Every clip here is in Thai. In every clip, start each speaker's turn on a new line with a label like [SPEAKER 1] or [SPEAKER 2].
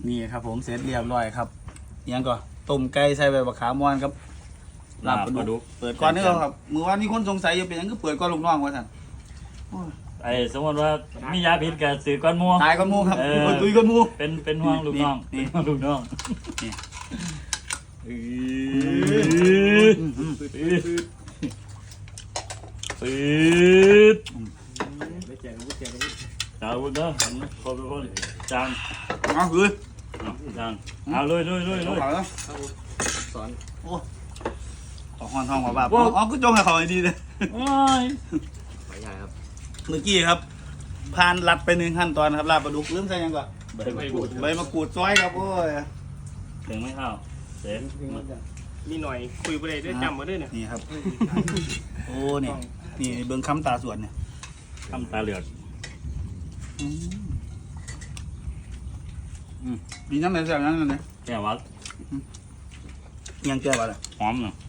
[SPEAKER 1] นี่ครับผมเสร็จเรียบร้อยครับยังก็ต้มไก่ใส่ใบมะขามม่อนครับลาบปลาดุกเปิดก่อนนี่ครับมือว่านี่คนสงสัยอยู่เป็นยังก็เปิดก่อนลูกน้องว่าท่าน
[SPEAKER 2] สมมติว่ามียาพิษกับสื่อก้อนมัว
[SPEAKER 1] ตายก้อนมูครับตุยก้อนมู
[SPEAKER 2] เป็นห่วงลูกน้องลูกน้องปืดจางวุ้นเนาะคนเป็นคนจาง
[SPEAKER 1] เอาคือ
[SPEAKER 2] จางเอาเลย
[SPEAKER 1] สอนโอ้ขอห้อนทองขอบ้าอ๋อก็จงให้เขาดีเลย
[SPEAKER 3] ไม่ใช่ครับ
[SPEAKER 1] เมื่อกี้ครับผ่านลัดไป1 ขั้นตอนครับลาบปลาดุกลืมใส่ยังก่อนใบมะกรูดซอยครับโอ้ย
[SPEAKER 2] ถึงไม่เข้าเสร็จ
[SPEAKER 3] มีหน่อยคุยไปเลยด้วยจำมาด้วยเนี่ย
[SPEAKER 1] นี่ครับโอ้นี่เบิ้งคำตาสวนเนี่ย
[SPEAKER 2] คำตาเหลือก
[SPEAKER 1] มีน้ำในแซ่บนั้นเลย
[SPEAKER 2] แก้วัด
[SPEAKER 1] ยังแก้วัดอ่ะ
[SPEAKER 2] หอมเนาะ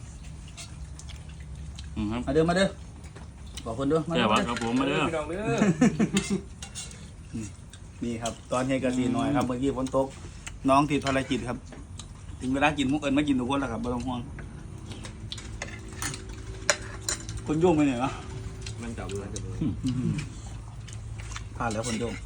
[SPEAKER 1] มาเด้อบอกคนด้วย
[SPEAKER 2] แก้วัดครับผมมาเด้อ
[SPEAKER 1] นี่ครับตอนเฮกซีหน่อยครับเมื่อกี้ฝนตกน้องติดภารกิจครับถึงเวลากินมุกเอิญไม่กินทุกคนแล้วครับไม่ต้องห่วงคนโยงไปไหนวะ
[SPEAKER 3] มันจับเลย
[SPEAKER 1] พลาดแล้วคนโยง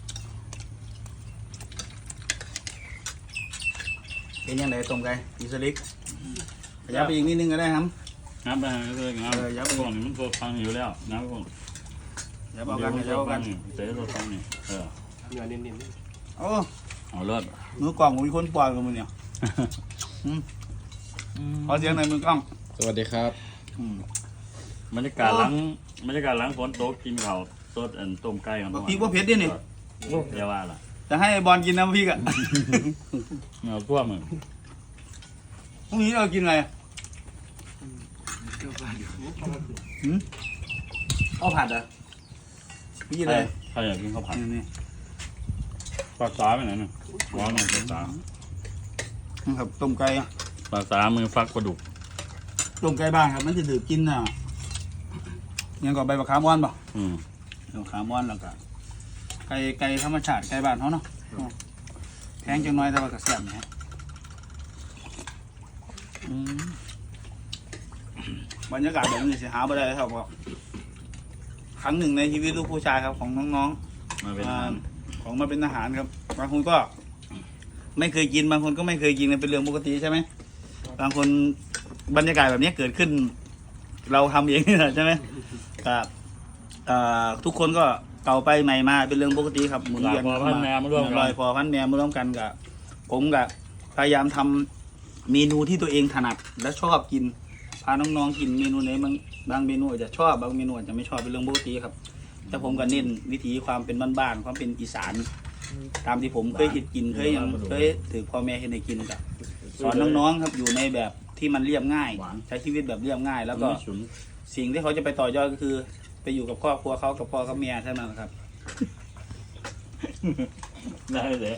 [SPEAKER 1] เป็นยังไงตรงไกอิสลิกยับไปอีกนิดนึงก็ได้ครับ
[SPEAKER 2] น้ำไปเลยน้ำยับพวกนี้มันตัวฟังอยู่แล้วน้ำพวก
[SPEAKER 1] ยับเอากัน
[SPEAKER 2] เตะตัวฟังนี่
[SPEAKER 3] เนื้อเน้น
[SPEAKER 1] โอ้
[SPEAKER 2] เอาเลิศ
[SPEAKER 1] มือกล่องมีคนปล่อยกับมึงเนี่ยขอเสียงหน่อยมือกล้อง
[SPEAKER 4] สวัสดีครับ
[SPEAKER 2] บรรยากาศหลังฝนตกกินข้าวสดต้มไก่ของ
[SPEAKER 1] พี่ว่าเผ็ดดินี่
[SPEAKER 2] เดี๋ยวว่าล่ะ
[SPEAKER 1] จะให้บอลกินน้ำพริกอ่ะ
[SPEAKER 2] เอาทั่วมือ
[SPEAKER 1] พรุ่งนี้เรากินอะไรข้าวผัดอ่ะพี่อะไร
[SPEAKER 2] ใครอยากกินข้าวผัด
[SPEAKER 1] นี่
[SPEAKER 2] ปลาสาไปไหนเนี่ยว้าวหน่อยปลาสา
[SPEAKER 1] ครับต้มไก่
[SPEAKER 2] ปลาสามือฟักปลาดุก
[SPEAKER 1] ต้มไก่บ้านครับมันจะดื่มกินน่ะยังก่อใบมะขามม่อนป่ะใบมะขามม่อนแล้วก็ไก่ธรรมชาติไก่บ้านเขาเนาะแพงจังน้อยแต่ว่าก็แซ่บนะบรรยากาศแบบนี้สิหาบ่ได้ครับครั้งหนึ่งในชีวิตลูกผู้ชายครับของน้องๆของมาเป็นทหารครับบางคนก็ไม่เคยกินบางคนก็ไม่เคยกินเป็นเรื่องปกติใช่ไหมบางคนบรรยากาศแบบนี้เกิดขึ้นเราทำเองนี่แหละใช่ไหมครับทุกคนก็เก่าไปใหม่มาเป็นเรื่องปกติครับ
[SPEAKER 2] หมุนเวียนลอยพอพันแม่มาร่ว
[SPEAKER 1] มกันกับผมกับพยายามทำเมนูที่ตัวเองถนัดและชอบกินพาน้องๆกินเมนูไหนบางเมนูอาจจะชอบบางเมนูอาจจะไม่ชอบเป็นเรื่องปกติครับแต่ผมก็เน้นวิถีความเป็นบ้านๆความเป็นอีสานตามที่ผมเคยกินเคยถือพ่อแม่ให้ในกินกับสอนน้องๆครับอยู่ในแบบที่มันเรียบง่ายใช้ชีวิตแบบเรียบง่ายแล้วก็สิ่งที่เขาจะไปต่อยอดก็คือไปอยู่กับครอบครัวเขากับพ่อกับแม่เท่านั้นครับ
[SPEAKER 2] ได้เลย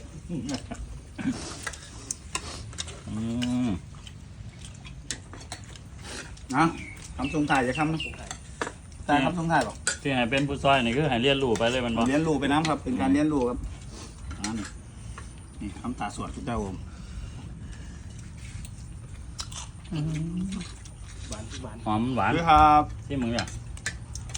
[SPEAKER 1] นะทำทรงถ่ายจะทำนะถ่ายทำทรงถ่ายหรอ
[SPEAKER 2] ที่ให้เป็นผู้ซอยนี่คือให้เรียนรู้ไปเลยมัน
[SPEAKER 1] เรียนรู้ไปน้ำครับเป็นการเรียนรู้ครับนี่ทำตาสวดทุกเจ้าผม
[SPEAKER 2] หอมหวาน
[SPEAKER 1] ด้วยครับ
[SPEAKER 2] ที่มึงอยาก